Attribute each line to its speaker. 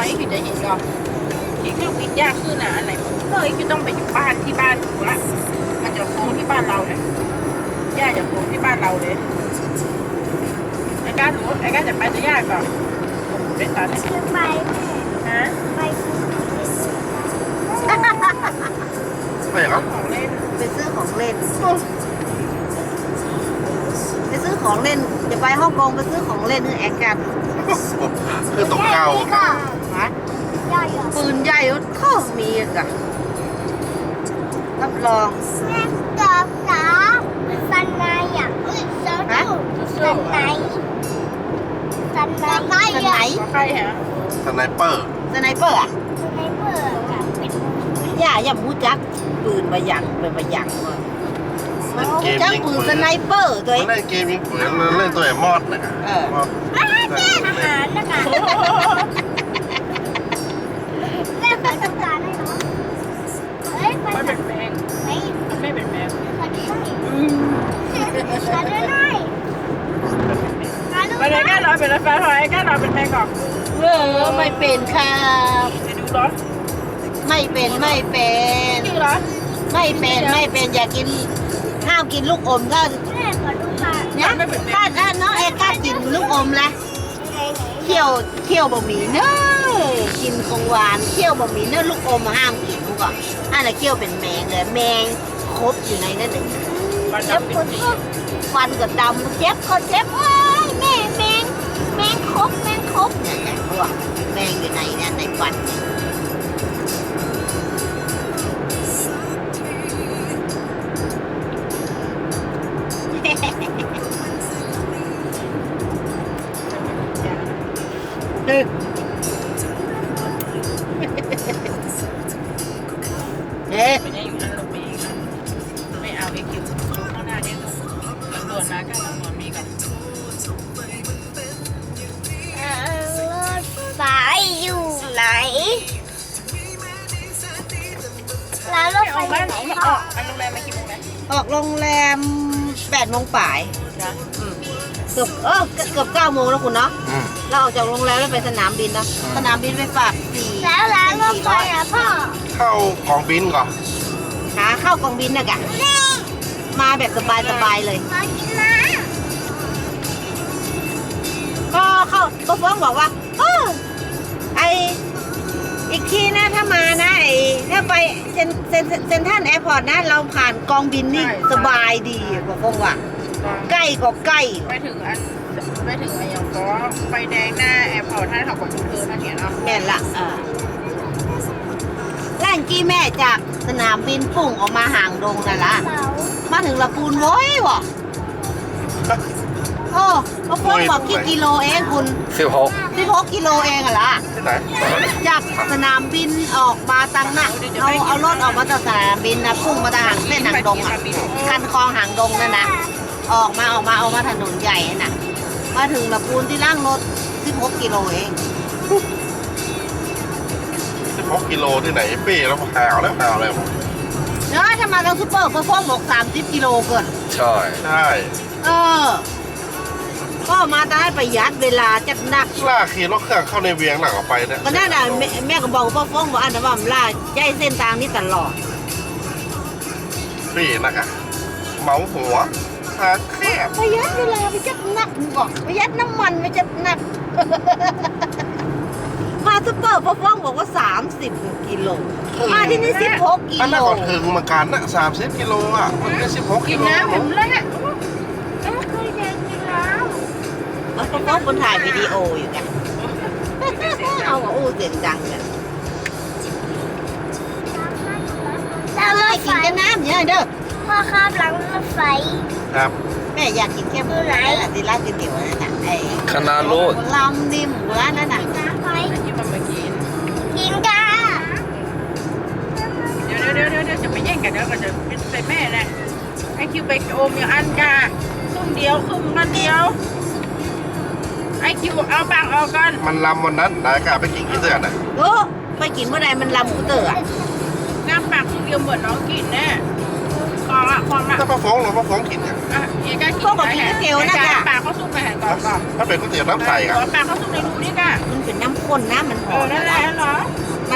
Speaker 1: อ้คือจะเห็นก่อนที่เครื่องวิทย์ยากขึ้นนะอะไรก็ไอ้คือต้องไปอยู่บ้านที่บ้านถูกละมันจะโค้งที่บ้านเราเนี่ยย่าจะโค้งที่บ้านเราเลยไอ้ก้าหนูไอ้ก้าจะไปจะยากก่อนเป็นตอนนี้
Speaker 2: จะไป
Speaker 1: ฮะ
Speaker 2: ไป
Speaker 3: ไปอย่างนั้น
Speaker 1: ของเล่น
Speaker 4: ไปซื้อของเล่นไปซื้อของเล่นจะไปฮ่องกงไปซื้อของเล่นนี่แอคกัน
Speaker 3: คือตกเก่า
Speaker 2: ก็
Speaker 4: ฮะ
Speaker 2: ย่อยอ่ะ
Speaker 4: ปืนใหญ่ก็มีอ่ะรับรอง
Speaker 2: แม่กับจ๋าสันในอ่ะสันในสันในสันใน
Speaker 4: สไน
Speaker 1: ขอใครฮะ
Speaker 3: สไนเปอร์
Speaker 4: สไนเปอร์อ่ะ
Speaker 2: สันในเปิดกับเป็น
Speaker 4: อย่ามูจักปืนมาหยังเป็นมาหยังเลย
Speaker 3: เล่นเกม
Speaker 4: จัก
Speaker 3: ยิง
Speaker 4: ปืน
Speaker 3: ปื
Speaker 4: ส
Speaker 3: น
Speaker 4: ไนเปอร์ตัวเอง
Speaker 3: เล่นเกมยิงปืนเล่นตัวไอ้มอดนะ
Speaker 4: เออ
Speaker 2: อาหารนะคะแม่ขอต้องการให้น้องเฮ้ยไป
Speaker 1: ไม่
Speaker 2: ไหน
Speaker 1: เป็นแมง
Speaker 2: ไป
Speaker 1: ไม่เป็นแมง
Speaker 2: ขอดูหน่อยขอดูหน่อยขอดู
Speaker 1: ไป
Speaker 2: ห
Speaker 1: เล
Speaker 2: น่
Speaker 1: ย
Speaker 2: อย
Speaker 1: ก้ารอเป็นรถไฟหอยก้ารอเป็นแมงก่อน
Speaker 4: ไม่เป็นครับ
Speaker 1: จะดูรถ
Speaker 4: ไม่เป็นไม่เป็น
Speaker 1: จริงเหรอ
Speaker 4: ไม่เป็นไม่เป็นอย่ากินห้ามกินลูกอมก็
Speaker 2: แม่ขอดูค่ะ
Speaker 4: เนี่ยถ้าน้องเอกล้ากินลูกอมละ
Speaker 2: ไหน
Speaker 4: เคี่ยวบะหมี่เนอะกินของหวานเคี่ยวบะหมี่เนอะลูกอมห้ามกินลูกอ่ะอันน่ะเคี่ยวเป็นแมงเลยแมงครบอยู่ในนั่นเอง
Speaker 1: มัน
Speaker 4: เจ็บ
Speaker 1: จะ
Speaker 4: ปวดท้องฟันก็ดำเจ็บก็เจ็บเอ้ยแม่แมงครบเนี่ยพวกแมงอยู่ในเนี่ยในฟันเฮ้ยเฮ้ย
Speaker 1: ไม่ได้อยู่นั่นลงไปอีกนะไม่เอาไอ้คิวข้างหน้าเนี่ยตำรวจมาก็ตำรวจมีกับ
Speaker 2: รถไฟอยู่ไหนร้านรถ
Speaker 1: ไม่
Speaker 2: ไฟ
Speaker 1: ออก
Speaker 2: อ
Speaker 1: บ้าน
Speaker 2: ยู่ไหน
Speaker 1: ไหน
Speaker 2: พ่
Speaker 1: อ
Speaker 2: อ
Speaker 1: อกอันโรงแรมมากี่โมงนะ
Speaker 4: ออกโรงแรม8 โมงป่าย
Speaker 1: นะ
Speaker 4: เกือบ9 โมงแล้วคุณเนาะ
Speaker 3: อืม
Speaker 4: เราออกจากโรงแรมแล้วไปสนามบินนะสนามบินไปฝาก4
Speaker 2: แล้วร้านรถไฟอ่ะพ่อ
Speaker 3: เข้ากองบินก่อน
Speaker 4: หาเข้ากองบินนะกะมาแบบสบายๆเลย
Speaker 2: มากินน้
Speaker 4: ก็ฟ้องบอกว่าไออีกทีนะถ้ามานะถ้าไปเซ็นทรัลแอร์พอร์ตนะเราผ่านกองบินนี่สบายดีบอกฟ้องว่าใกล้ก็ใกล้
Speaker 1: ไปถึงอะไรอย่างก็ไฟแดงหน้าแอร์พอร์ตท่านเขาบอกยูเทิร์นนั่นเนี่ยเนาะ
Speaker 4: แม่นละแล่นกี้แม่จากสนามบินปุ่งออกมาห่างดงนั่นละ
Speaker 2: ำเสา
Speaker 4: มาถึงละปูนโว้ยวะโอ้มาฟ้องบอกกี่กิโลเองคุณ 16 กิโลเองอะล่ะ
Speaker 3: ที่ไหน
Speaker 4: จากสนามบินออกมาตังน่ะเอารถออกมาจากสนามบินนะพุ่งมาทางเส้นหางดงอ่ะคันคลองหางดงนั่นนะออกมาถนนใหญ่น่ะมาถึงละปูนที่ล่างรถ16 กิโลเอง
Speaker 3: 16 กิโลที่ไหนเป้แล้วหาวแล้วหาว
Speaker 4: เนาะถ้ามาทางซุปเปอร์ก็ฟ้องบอก30 กิโลเกิน
Speaker 3: ใช่ใช่
Speaker 4: ก็มาได้ประหยัดเวลาจัดหนัก
Speaker 3: ล่าขี่รถเครื่องเข้าในเวียงหลังออกไปเนี่ย
Speaker 4: ก็นั่นน่ะแม่ก็บอกว่าฟ้องบอกอันนั้นว่ามันล่าใจเส้นทางนี้ตลอด
Speaker 3: เป้นะคะเมาหัวหาแคบ
Speaker 4: ประหยัดเวลาไปจัดหนักบอกประหยัดน้ำมันไปจัดหนัก มาซุปเปอร์ฟ้องบอกว่า30 กิโลมาที่นี่16 กิ
Speaker 3: อัน
Speaker 4: โล
Speaker 3: นั้นก่อนถึงเหมือนกันนะ30 กิโลอ่ะมันไม่16
Speaker 1: กิ
Speaker 3: กิ
Speaker 1: น
Speaker 3: โล
Speaker 1: น้ำผมเลยอ่ะ
Speaker 2: แล้วเคยเดินกินน้
Speaker 4: มันฟ้องคนถ่ายวิดีโออยู่กันเอาเสียงดังกัน
Speaker 2: ำแล้วร
Speaker 4: ไม่
Speaker 2: ถไฟ
Speaker 4: กินกันน้ำเยอะเด้อ
Speaker 2: พ่อข้ามหลังรถไฟ
Speaker 3: ครับ
Speaker 4: แม่อยากกินแค่หมูไหนที่ร้านก๋วยเตี๋ยวนั่นน่ะไอ้
Speaker 5: คณะโลด
Speaker 4: ลำนี่หมูร้านนั่นน่ะ
Speaker 2: น้ำไฟ
Speaker 1: ที่มันมากิน
Speaker 2: กินกัน
Speaker 1: เดี๋ยวจะไปแย่งกันเดี๋ยวก็จะเป็นแม่แหละไอคิวไปโอมอย่างอันกาครึ่งเดียวครึ่งมันเดียวไอคิวเอาปากออกก่อน
Speaker 3: มันลำวันนั้นนายกะไปกินกี่เดือนอ่ะ
Speaker 4: โอ้ไปกินเมื่อใดมันลำกูเตอร์อ่ะ
Speaker 1: งามปากครึ่งเดียวเหมือนน้องกินแน่ความอ่ะ
Speaker 3: ถ้าป้าฟ้องเราป้าฟ้องกินเนี่ย
Speaker 1: เอกากินปากเขาซุ่มไปแห่งก่อน
Speaker 3: ถ้าเป็นก๋วยเตี๋ยวน้ำใส
Speaker 1: ปากเขาซุ่มในรูนี่ก่ะ
Speaker 4: มันเป็นน้ำข้นนะมันหอม
Speaker 1: นั่นแห